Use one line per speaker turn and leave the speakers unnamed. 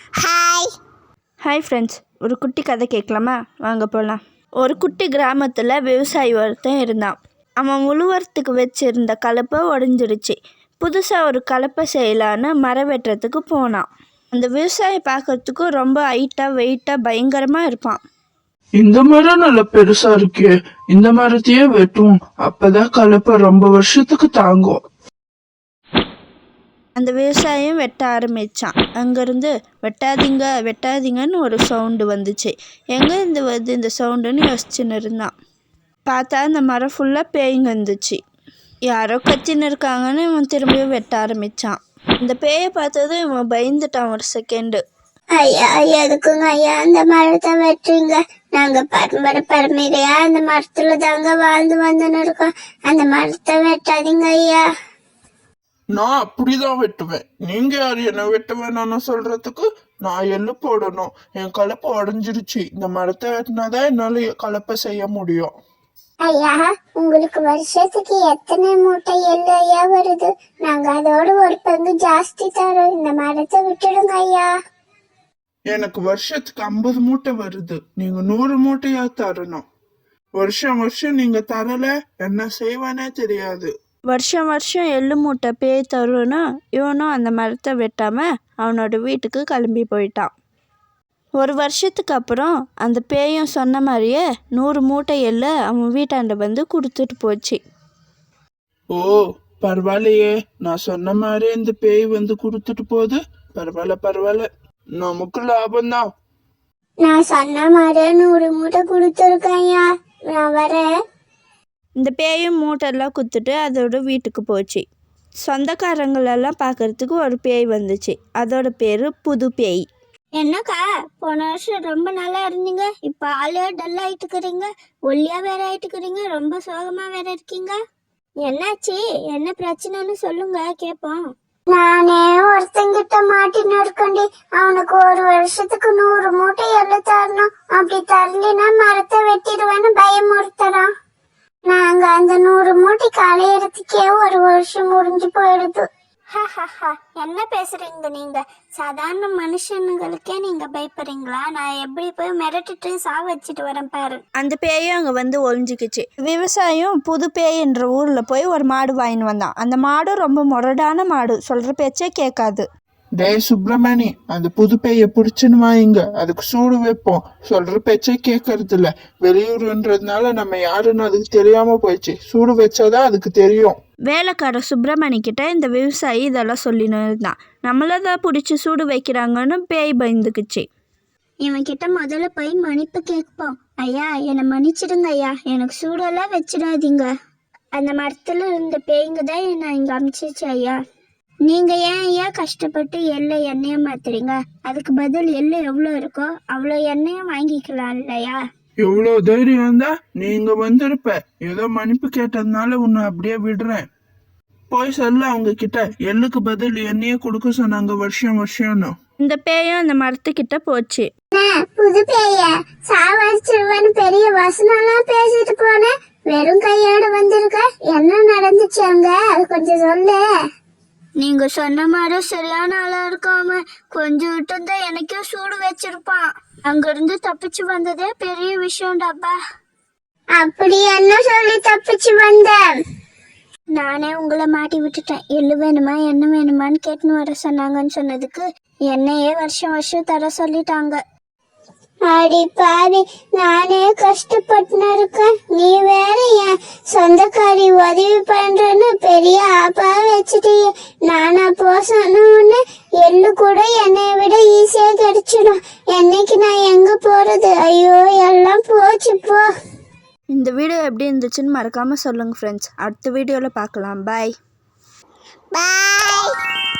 Hi
hi friends, ஒரு குட்டி கதை கேட்கலாமா? வாங்க போகலாம். ஒரு குட்டி கிராமத்தில் விவசாயி ஒருத்தன் இருந்தான். அவன் உழுவறதுக்கு வச்சுருந்த கலப்பை உடஞ்சிடுச்சு. புதுசாக ஒரு கலப்பை செய்யலான்னு மரம் வெட்டுறதுக்கு போனான். அந்த விவசாயி பார்க்கறதுக்கு ரொம்ப ஹைட்டாக வெயிட்டாக பயங்கரமாக இருப்பான்.
இந்த மரம் நல்ல பெருசா இருக்கே, இந்த மரத்தையே வெட்டுவோம், அப்பதான் கலப்பை ரொம்ப வருஷத்துக்கு தாங்கும்.
அந்த விவசாயம் வெட்ட ஆரம்பித்தான். அங்கேருந்து வெட்டாதீங்க வெட்டாதீங்கன்னு ஒரு சவுண்டு வந்துச்சு. எங்கேருந்து வருது இந்த சவுண்டுன்னு யோசிச்சுன்னு இருந்தான். பார்த்தா அந்த மரம் ஃபுல்லாக பேய்ங்க இருந்துச்சு. யாரோ கத்தின்னு இருக்காங்கன்னு இவன் திரும்பியும் வெட்ட ஆரம்பித்தான். இந்த பேயை பார்த்ததும் இவன் பயந்துட்டான் ஒரு செகண்டு.
ஐயா எதுக்குங்க ஐயா அந்த மரத்தை வெட்டுறீங்க? நாங்க பரம்பரையா அந்த மரத்துல தாங்க வாழ்ந்து வந்துன்னு இருக்கோம். அந்த மரத்தை வெட்டாதீங்க ஐயா.
நான் அப்படிதான் வெட்டுவேன். நீங்க யாரு என்ன வெட்ட வேணாம்னு சொல்றதுக்கு? நான் எள்ளு போடணும், என் கலப்பை உடஞ்சிருச்சு, இந்த மரத்தை வெட்டினாதான் என்னால கலப்பை செய்ய முடியும்.
ஐயா உங்களுக்கு வருஷத்துக்கு எத்தனை மூட்டை எள்ளு ஐயா வருது? நாங்க அதோட ஒரு பங்கு ஜாஸ்தி தரோம். இந்த மரத்தை விட்டுடுங்க ஐயா.
எனக்கு வருஷத்துக்கு 50 மூட்டை வருது, நீங்க 100 மூட்டையா தரணும். வருஷம் நீங்க தரல, என்ன செய்வானே தெரியாது.
வருஷம் எள்ளு மூட்டை பேய் தருன்னா இவனும் அந்த மரத்தை வெட்டாமல் அவனோட வீட்டுக்கு கிளம்பி போயிட்டான். ஒரு வருஷத்துக்கு அப்புறம் அந்த பேயும் சொன்ன மாதிரியே 100 மூட்டை எள்ளு அவன் வீட்டாண்ட வந்து கொடுத்துட்டு போச்சு.
ஓ பரவாயில்லையே, நான் சொன்ன மாதிரி இந்த பேய் வந்து கொடுத்துட்டு போகுது. பரவாயில்ல, நமக்கு லாபம்தான்.
நான் சொன்ன மாதிரி 100 மூட்டை கொடுத்துருக்கேன் ஐயா, நான் வரேன்.
இந்த பேயும் மூட்டெல்லாம் குத்துட்டு அதோட வீட்டுக்கு போச்சு. சொந்தக்காரங்களெல்லாம் பார்க்கறதுக்கு ஒரு பேய் வந்துச்சு. அதோட பேர் புது பேய்.
என்னக்கா போன வருஷம் ரொம்ப நல்லா இருந்தீங்க, இப்போ ஆளே டல் ஆயிட்டுக்கிறீங்க, ஒல்லியா வேற ஆயிட்டுக்கிறீங்க, ரொம்ப சோகமா வேற இருக்கீங்க. என்னாச்சு? என்ன பிரச்சனைன்னு சொல்லுங்க கேட்போம். நானே ஒருத்தங்கிட்ட மாட்டின்னு இருக்கண்டி, அவனுக்கு ஒரு வருஷத்துக்கு 100 மூட்டை எள்ளு தரணும், அப்படி தரலினா மரத்தை வெட்டிடுவேன்னு பயமுறுத்துறான். நாங்க அந்த 100 மூட்டைக்கு அலையறதுக்கே ஒரு வருஷம் முடிஞ்சு போயிடுது. என்ன பேசுறீங்க நீங்க? சாதாரண மனுஷனுங்களுக்கே நீங்க பயப்படுறீங்களா? நான் எப்படி போய் மிரட்டிட்டு வச்சுட்டு வரேன் பாரு.
அந்த பேயும் அங்க வந்து ஒளிஞ்சுக்கிச்சு. விவசாயம் புது பேய்ன்ற ஊர்ல போய் ஒரு மாடு வாங்கின்னு வந்தான். அந்த மாடு ரொம்ப முரடான மாடு, சொல்ற பேச்சே கேட்காது.
டேய் சுப்பிரமணி, அந்த புது பேய பிடிச்சுன்னு வாங்க, அதுக்கு சூடு வைப்போம். சொல்ற பேச்சே கேட்கறது இல்ல. வெளியூருன்றதுனால நம்ம யாருன்னு அதுக்கு தெரியாம போயிடுச்சு. சூடு வச்சாதான் அதுக்கு தெரியும்.
வேலைக்கார சுப்பிரமணி கிட்ட இந்த விவசாயி இதெல்லாம் சொல்லின்னு இருந்தான். நம்மளதான் பிடிச்சி சூடு வைக்கிறாங்கன்னு பேய் பயந்துக்குச்சு.
இவன் கிட்ட முதல்ல போய் மன்னிப்பு கேட்போம். ஐயா என்னை மன்னிச்சிடுங்க ஐயா, எனக்கு சூடெல்லாம் வச்சிடாதீங்க. அந்த மரத்துல இருந்த பேய்ங்க தான் என்னை இங்க அமிச்சிச்சு ஐயா. நீங்க ஏன் ஐயா கஷ்டப்பட்டு எண்ணெயை மாத்துறீங்க? அதுக்கு பதில் எள்ளு எவ்வளோ இருக்கோ அவ்வளோ எண்ணெயும் வாங்கிக்கலாம் இல்லையா?
எவ்வளவு தைரியம் இருந்தா நீங்க வந்திருப்ப. ஏதோ மன்னிப்பு கேட்டதுனால உன்னை அப்படியே விடுறேன். போய் சொல்ல அவங்க கிட்ட, எள்ளுக்கு பதில் எண்ணெயே கொடுக்க சொன்னாங்க வருஷம்னு.
இந்த பேயும் அந்த மரத்துக்கிட்ட போச்சு.
புது பேய சாவடிச்சிருவன்னு பெரிய வசனம்லாம் பேசிட்டு போன, வெறும் கையோட வந்திருக்க. என்ன நடந்துச்சு அங்க, அது கொஞ்சம் சொல்லு. நீங்க சொன்ன மாதிரி சரியான ஆளா இருக்காம கொஞ்சம் விட்டு எனக்கே சூடு வச்சிருப்பான். அங்க இருந்து தப்பிச்சு வந்ததே பெரிய விஷயம் டப்பா. அப்படி என்ன சொல்லி தப்பிச்சு வந்த? நானே உங்களை மாட்டி விட்டுட்டேன். எள்ளு வேணுமா என்ன வேணுமான்னு கேட்டுன்னு வர சொன்னாங்கன்னு சொன்னதுக்கு என்னையே வருஷம் தர சொல்லிட்டாங்க. அடி பாவி, நானே கஷ்டப்பட்டு இருக்கேன், நீ வேற என் சொந்தக்காரி உதவி பண்றேன்னு பெரிய ஆப்பா வச்சுட்டு நானா போசணும்னு எள்ளு கூட என்னை விட ஈஸியா கிடைச்சிடும். என்னைக்கு நான் எங்க போறது? ஐயோ எல்லாம் போச்சு போ.
இந்த வீடியோ எப்படி இருந்துச்சுன்னு மறக்காம சொல்லுங்க ஃப்ரெண்ட்ஸ். அடுத்த வீடியோவில் பார்க்கலாம். பாய்.